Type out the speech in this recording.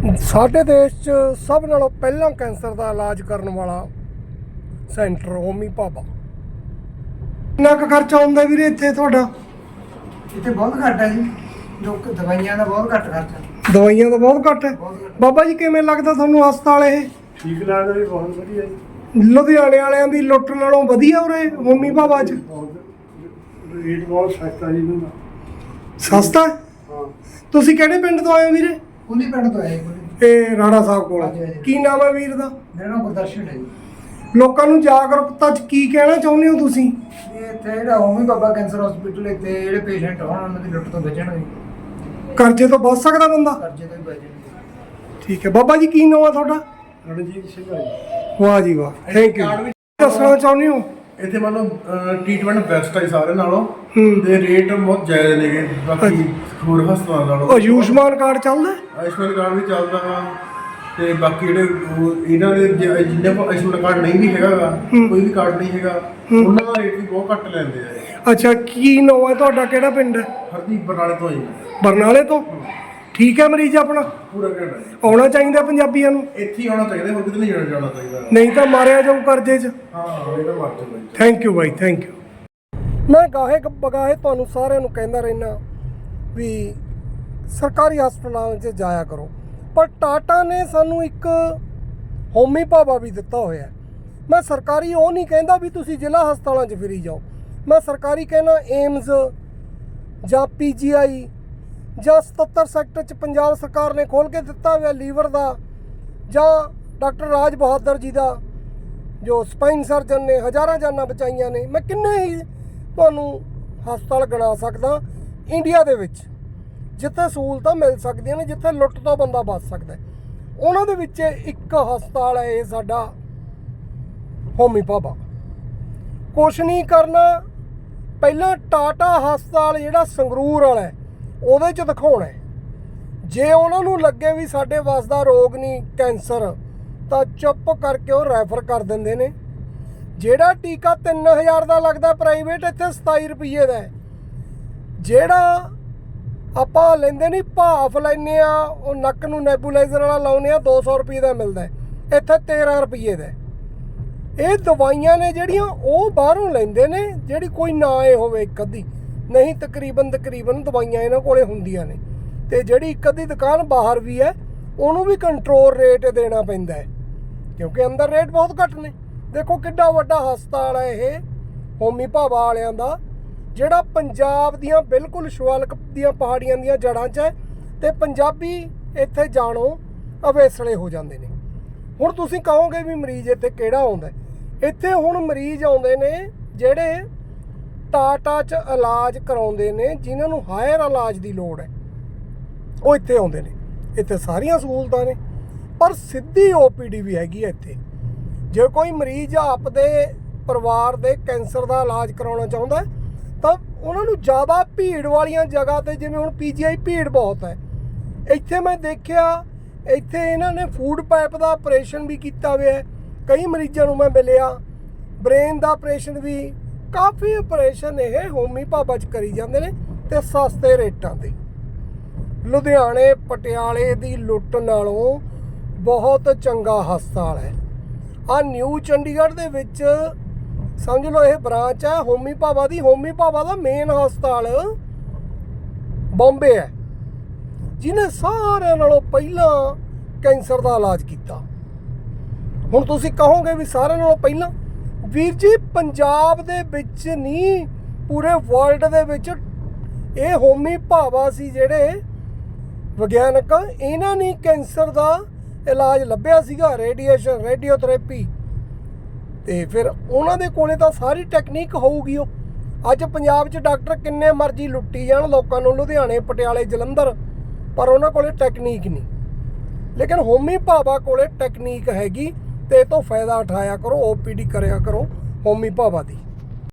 ਸਾਡੇ ਦੇਸ਼ 'ਚ ਸਭ ਨਾਲੋਂ ਪਹਿਲਾਂ ਕੈਂਸਰ ਦਾ ਇਲਾਜ ਕਰਨ ਵਾਲਾ ਸੈਂਟਰ ਹੋਮੀ ਭਾਬਾ। ਕਿੰਨਾ ਕੁ ਖਰਚਾ ਆਉਂਦਾ ਵੀਰੇ ਇੱਥੇ ਤੁਹਾਡਾ? ਇੱਥੇ ਬਹੁਤ ਘੱਟ ਹੈ ਜੀ, ਲੋਕ ਦਵਾਈਆਂ ਦਾ ਬਹੁਤ ਘੱਟ ਖਰਚਾ। ਦਵਾਈਆਂ ਦਾ ਬਹੁਤ ਘੱਟ ਹੈ। ਬਾਬਾ ਜੀ ਕਿਵੇਂ ਲੱਗਦਾ ਤੁਹਾਨੂੰ ਹਸਪਤਾਲ ਇਹ? ਠੀਕ ਲੱਗਦਾ ਜੀ, ਬਹੁਤ ਵਧੀਆ ਜੀ। ਲੁਧਿਆਣੇ ਵਾਲਿਆਂ ਦੀ ਲੁੱਟ ਨਾਲੋਂ ਵਧੀਆ ਉਰੇ ਹੋਮੀ ਭਾਬਾ 'ਚ? ਰੇਟ ਬਹੁਤ ਸਸਤਾ ਜੀ ਇਹਨਾਂ ਦਾ। ਸਸਤਾ? ਹਾਂ। ਤੁਸੀਂ ਕਿਹੜੇ ਪਿੰਡ ਤੋਂ ਆਏ ਹੋ ਵੀਰੇ? ਕੁਲੀ ਪਿੰਡ ਤੋਂ ਆਏ ਜੀ। ਇਹ ਰਾਣਾ ਸਾਹਿਬ ਕੋਲ। ਹਾਂਜੀ, ਹਾਂਜੀ। ਕੀ ਨਾਮ ਹੈ ਵੀਰ ਦਾ? ਮੇਰਾ ਨਾਮ ਗੁਰਦਰਸ਼ਨ ਹੈ ਜੀ। ਲੋਕਾਂ ਨੂੰ ਜਾਗਰੂਕਤਾ 'ਚ ਕੀ ਕਹਿਣਾ ਚਾਹੁੰਦੇ ਹੋ ਤੁਸੀਂ? ਇਹ ਇੱਥੇ ਜਿਹੜਾ ਹੋਮੀ ਬਾਬਾ ਕੈਂਸਰ ਹਸਪੀਟਲ, ਇੱਥੇ ਜਿਹੜੇ ਪੇਸ਼ੈਂਟ ਹੋਣ ਉਹਨਾਂ ਦੀ ਲੁੱਟ ਤੋਂ ਬਚਣ ਜੀ, ਕਰਜ਼ੇ ਤੋਂ ਬਚ ਸਕਦਾ ਬੰਦਾ? ਕਰਜ਼ੇ ਤੋਂ ਵੀ ਬਚਣ। ਠੀਕ ਹੈ ਬਾਬਾ ਜੀ, ਕੀ ਨਾਮ ਹੈ ਤੁਹਾਡਾ? ਰਣਜੀਤ ਸਿੰਘ ਆ ਜੀ। ਵਾਹ ਜੀ ਵਾਹ, ਥੈਂਕ ਯੂ। ਦੱਸਣਾ ਚਾਹੁੰਦੇ ਹੋ? ਇੱਥੇ ਮਤਲਬ ਟ੍ਰੀਟਮੈਂਟ ਬੈਸਟ ਹੈ ਸਾਰੇ ਨਾਲੋਂ, ਹੂੰ। ਤੇ ਰੇਟ ਬਹੁਤ ਜਾਇਜ਼ ਨੇਗੇ ਬਾਕੀ ਹੋਰ ਹਸਪਤਾਲਾਂ ਨਾਲੋਂ। ਆਯੁਸ਼ਮਾਨ ਕਾਰਡ ਚੱਲਦਾ? ਆਯੁਸ਼ਮਾਨ ਕਾਰਡ ਵੀ ਚੱਲਦਾ ਵਾ, ਤੇ ਬਾਕੀ ਜਿਹੜੇ ਇਹਨਾਂ ਦੇ ਜਿੰਨੇ ਕੋਲ ਆਯੁਸ਼ਮਾਨ ਕਾਰਡ ਨਹੀਂ ਵੀ ਹੈਗਾ ਗਾ, ਕੋਈ ਵੀ ਕਾਰਡ ਨਹੀਂ ਹੈਗਾ, ਉਹਨਾਂ ਦਾ ਰੇਟ ਵੀ ਬਹੁਤ ਘੱਟ ਲੈਂਦੇ ਆ। ਅੱਛਾ, ਕੀ ਨਾਮ ਹੈ ਤੁਹਾਡਾ? ਕਿਹੜਾ ਪਿੰਡ ਹੈ? ਹਰਦੀਪ ਬਰਨਾਲੇ ਤੋਂ ਜੀ। ਬਰਨਾਲੇ ਤੋਂ? ਠੀਕ ਹੈ ਮਰੀਜ਼ ਆਪਣਾ? ਪੂਰਾ ਘੰਟਾ ਜੀ। ਆਉਣਾ ਚਾਹੀਦਾ ਪੰਜਾਬੀਆਂ ਨੂੰ? ਇੱਥੇ ਹੀ ਆਉਣਾ ਚਾਹੀਦਾ, ਹੋਰ ਕਿਤੇ ਨਹੀਂ ਜਾਣਾ ਚਾਹੀਦਾ। ਨਹੀਂ ਤਾਂ ਮਾਰਿਆ ਜਾਊ ਕਰਜ਼ੇ 'ਚ। ਹਾਂ, ਇਹਦਾ ਮਰ ਜਾਊਗਾ ਜੀ। ਥੈਂਕ ਯੂ ਬਾਈ, ਥੈਂਕ ਯੂ। ਮੈਂ ਗਾਹੇ ਬਗਾਹੇ ਤੁਹਾਨੂੰ ਸਾਰਿਆਂ ਨੂੰ ਕਹਿੰਦਾ ਰਹਿਣਾ ਵੀ ਸਰਕਾਰੀ ਹਸਪਤਾਲਾਂ 'ਚ ਜਾਇਆ ਕਰੋ, ਪਰ ਟਾਟਾ ਨੇ ਸਾਨੂੰ ਇੱਕ ਹੋਮੀ ਭਾਬਾ ਵੀ ਦਿੱਤਾ ਹੋਇਆ। ਮੈਂ ਸਰਕਾਰੀ ਉਹ ਨਹੀਂ ਕਹਿੰਦਾ ਵੀ ਤੁਸੀਂ ਜ਼ਿਲ੍ਹਾ ਹਸਪਤਾਲਾਂ 'ਚ ਫਿਰੀ ਜਾਓ, ਮੈਂ ਸਰਕਾਰੀ ਕਹਿਣਾ ਏਮਜ਼ ਜਾਂ PGI ਜਾਂ 77 ਸੈਕਟਰ 'ਚ ਪੰਜਾਬ ਸਰਕਾਰ ਨੇ ਖੋਲ੍ਹ ਕੇ ਦਿੱਤਾ ਹੋਇਆ ਲੀਵਰ ਦਾ, ਜਾਂ ਡਾਕਟਰ ਰਾਜ ਬਹਾਦਰ ਜੀ ਦਾ ਜੋ ਸਪਾਈਨ ਸਰਜਨ ਨੇ ਹਜ਼ਾਰਾਂ ਜਾਨਾਂ ਬਚਾਈਆਂ ਨੇ। ਮੈਂ ਕਿੰਨੇ ਹੀ ਤੁਹਾਨੂੰ ਹਸਪਤਾਲ ਗਿਣਾ ਸਕਦਾ ਇੰਡੀਆ ਦੇ ਵਿੱਚ ਜਿੱਥੇ ਸਹੂਲਤਾਂ ਮਿਲ ਸਕਦੀਆਂ ਨੇ, ਜਿੱਥੇ ਲੁੱਟ ਤੋਂ ਬੰਦਾ ਬਚ ਸਕਦਾ। ਉਹਨਾਂ ਦੇ ਵਿੱਚ ਇੱਕ ਹਸਪਤਾਲ ਹੈ ਇਹ ਸਾਡਾ ਹੋਮੀ ਭਾਬਾ। ਕੁਛ ਨਹੀਂ ਕਰਨਾ, ਪਹਿਲਾਂ ਟਾਟਾ ਹਸਪਤਾਲ ਜਿਹੜਾ ਸੰਗਰੂਰ ਵਾਲਾ ਉਹਦੇ 'ਚ ਦਿਖਾਉਣਾ। ਜੇ ਉਹਨਾਂ ਨੂੰ ਲੱਗੇ ਵੀ ਸਾਡੇ ਵੱਸ ਦਾ ਰੋਗ ਨਹੀਂ ਕੈਂਸਰ, ਤਾਂ ਚੁੱਪ ਕਰਕੇ ਉਹ ਰੈਫਰ ਕਰ ਦਿੰਦੇ ਨੇ। ਜਿਹੜਾ ਟੀਕਾ 3000 ਦਾ ਲੱਗਦਾ ਪ੍ਰਾਈਵੇਟ, ਇੱਥੇ 27 ਰੁਪਏ ਦਾ ਹੈ। ਜਿਹੜਾ ਆਪਾਂ ਲੈਂਦੇ ਨਹੀਂ, ਭਾਫ ਲੈਂਦੇ ਆ, ਉਹ ਨੱਕ ਨੂੰ ਨੈਬੂਲਾਈਜ਼ਰ ਵਾਲਾ ਲਾਉਂਦੇ ਆ, 200 ਰੁਪਏ ਦਾ ਮਿਲਦਾ, ਇੱਥੇ 13 ਰੁਪਏ ਦਾ। ਇਹ ਦਵਾਈਆਂ ਨੇ ਜਿਹੜੀਆਂ ਉਹ ਬਾਹਰੋਂ ਲੈਂਦੇ ਨੇ, ਜਿਹੜੀ ਕੋਈ ਨਾ ਇਹ ਹੋਵੇ ਇੱਕ ਅੱਧੀ, ਨਹੀਂ ਤਕਰੀਬਨ ਦਵਾਈਆਂ ਇਹਨਾਂ ਕੋਲੇ ਹੁੰਦੀਆਂ ਨੇ। ਤੇ ਜਿਹੜੀ ਇੱਕ ਅੱਧੀ ਦੁਕਾਨ ਬਾਹਰ ਵੀ ਹੈ, ਉਹਨੂੰ ਵੀ ਕੰਟਰੋਲ ਰੇਟ ਦੇਣਾ ਪੈਂਦਾ ਹੈ, ਕਿਉਂਕਿ ਅੰਦਰ ਰੇਟ ਬਹੁਤ ਘੱਟ ਨੇ। ਦੇਖੋ ਕਿੱਡਾ ਵੱਡਾ ਹਸਪਤਾਲ ਹੈ ਇਹ ਹੋਮੀ ਭਾਬਾ ਵਾਲਿਆਂ ਦਾ, ਜਿਹੜਾ ਪੰਜਾਬ ਦੀਆਂ ਬਿਲਕੁਲ ਸ਼ਿਵਾਲਿਕ ਦੀਆਂ ਪਹਾੜੀਆਂ ਦੀਆਂ ਜੜ੍ਹਾਂ 'ਚ ਹੈ, ਤੇ ਪੰਜਾਬੀ ਇੱਥੇ ਜਾਣੋਂ ਅਵੇਸਲੇ ਹੋ ਜਾਂਦੇ ਨੇ। ਹੁਣ ਤੁਸੀਂ ਕਹੋਗੇ ਵੀ ਮਰੀਜ਼ ਇੱਥੇ ਕਿਹੜਾ ਆਉਂਦਾ? ਇੱਥੇ ਹੁਣ ਮਰੀਜ਼ ਆਉਂਦੇ ਨੇ ਜਿਹੜੇ ਟਾਟਾ 'ਚ ਇਲਾਜ ਕਰਾਉਂਦੇ ਨੇ, ਜਿਨ੍ਹਾਂ ਨੂੰ ਹਾਇਰ ਇਲਾਜ ਦੀ ਲੋੜ ਹੈ, ਉਹ ਇੱਥੇ ਆਉਂਦੇ ਨੇ। ਇੱਥੇ ਸਾਰੀਆਂ ਸਹੂਲਤਾਂ ਨੇ, ਪਰ ਸਿੱਧੀ OPD ਵੀ ਹੈਗੀ ਹੈ ਇੱਥੇ। ਜੇ ਕੋਈ ਮਰੀਜ਼ ਆਪਦੇ ਪਰਿਵਾਰ ਦੇ ਕੈਂਸਰ ਦਾ ਇਲਾਜ ਕਰਾਉਣਾ ਚਾਹੁੰਦਾ ਤਾਂ ਉਹਨਾਂ ਨੂੰ ਜ਼ਿਆਦਾ ਭੀੜ ਵਾਲੀਆਂ ਜਗ੍ਹਾ 'ਤੇ, ਜਿਵੇਂ ਹੁਣ PGI ਭੀੜ ਬਹੁਤ ਹੈ। ਇੱਥੇ ਮੈਂ ਦੇਖਿਆ, ਇੱਥੇ ਇਹਨਾਂ ਨੇ ਫੂਡ ਪਾਈਪ ਦਾ ਆਪਰੇਸ਼ਨ ਵੀ ਕੀਤਾ ਹੋਇਆ। ਕਈ ਮਰੀਜ਼ਾਂ ਨੂੰ ਮੈਂ ਮਿਲਿਆ, ਬ੍ਰੇਨ ਦਾ ਆਪਰੇਸ਼ਨ ਵੀ, ਕਾਫੀ ਆਪਰੇਸ਼ਨ ਇਹ ਹੋਮੀ ਭਾਬਾ 'ਚ ਕਰੀ ਜਾਂਦੇ ਨੇ, ਤੇ ਸਸਤੇ ਰੇਟਾਂ 'ਤੇ। ਲੁਧਿਆਣੇ ਪਟਿਆਲੇ ਦੀ ਲੁੱਟ ਨਾਲੋਂ ਬਹੁਤ ਚੰਗਾ ਹਸਪਤਾਲ ਹੈ। ਆਹ ਨਿਊ ਚੰਡੀਗੜ੍ਹ ਦੇ ਵਿੱਚ ਸਮਝ ਲਓ ਇਹ ਬ੍ਰਾਂਚ ਹੈ ਹੋਮੀ ਭਾਬਾ ਦੀ। ਹੋਮੀ ਭਾਬਾ ਦਾ ਮੇਨ ਹਸਪਤਾਲ ਬੰਬੇ ਹੈ, ਜਿਹਨੇ ਸਾਰਿਆਂ ਨਾਲੋਂ ਪਹਿਲਾਂ ਕੈਂਸਰ ਦਾ ਇਲਾਜ ਕੀਤਾ। ਹੁਣ ਤੁਸੀਂ ਕਹੋਗੇ ਵੀ ਸਾਰਿਆਂ ਨਾਲੋਂ ਪਹਿਲਾਂ, ਵੀਰ ਜੀ ਪੰਜਾਬ ਦੇ ਵਿੱਚ ਨਹੀਂ, ਪੂਰੇ ਵਰਲਡ ਦੇ ਵਿੱਚ ਇਹ ਹੋਮੀ ਭਾਬਾ ਸੀ ਜਿਹੜੇ ਵਿਗਿਆਨਕ, ਇਹਨਾਂ ਨੇ ਕੈਂਸਰ ਦਾ ਇਲਾਜ ਲੱਭਿਆ ਸੀਗਾ, ਰੇਡੀਏਸ਼ਨ, ਰੇਡੀਓਥੈਰੇਪੀ। ਤੇ ਫਿਰ ਉਹਨਾਂ ਦੇ ਕੋਲੇ ਤਾਂ ਸਾਰੀ ਟੈਕਨੀਕ ਹੋਊਗੀ। ਉਹ ਅੱਜ ਪੰਜਾਬ 'ਚ ਡਾਕਟਰ ਕਿੰਨੇ ਮਰਜ਼ੀ ਲੁੱਟੀ ਜਾਣ ਲੋਕਾਂ ਨੂੰ, ਲੁਧਿਆਣੇ, ਪਟਿਆਲੇ, ਜਲੰਧਰ, ਪਰ ਉਹਨਾਂ ਕੋਲੇ ਟੈਕਨੀਕ ਨਹੀਂ। ਲੇਕਿਨ ਹੋਮੀ ਭਾਬਾ ਕੋਲੇ ਟੈਕਨੀਕ ਹੈਗੀ, ਤੇ ਇਹ ਤੋਂ ਫਾਇਦਾ ਉਠਾਇਆ ਕਰੋ, OPD ਕਰਿਆ ਕਰੋ ਹੋਮੀ ਭਾਬਾ ਦੀ।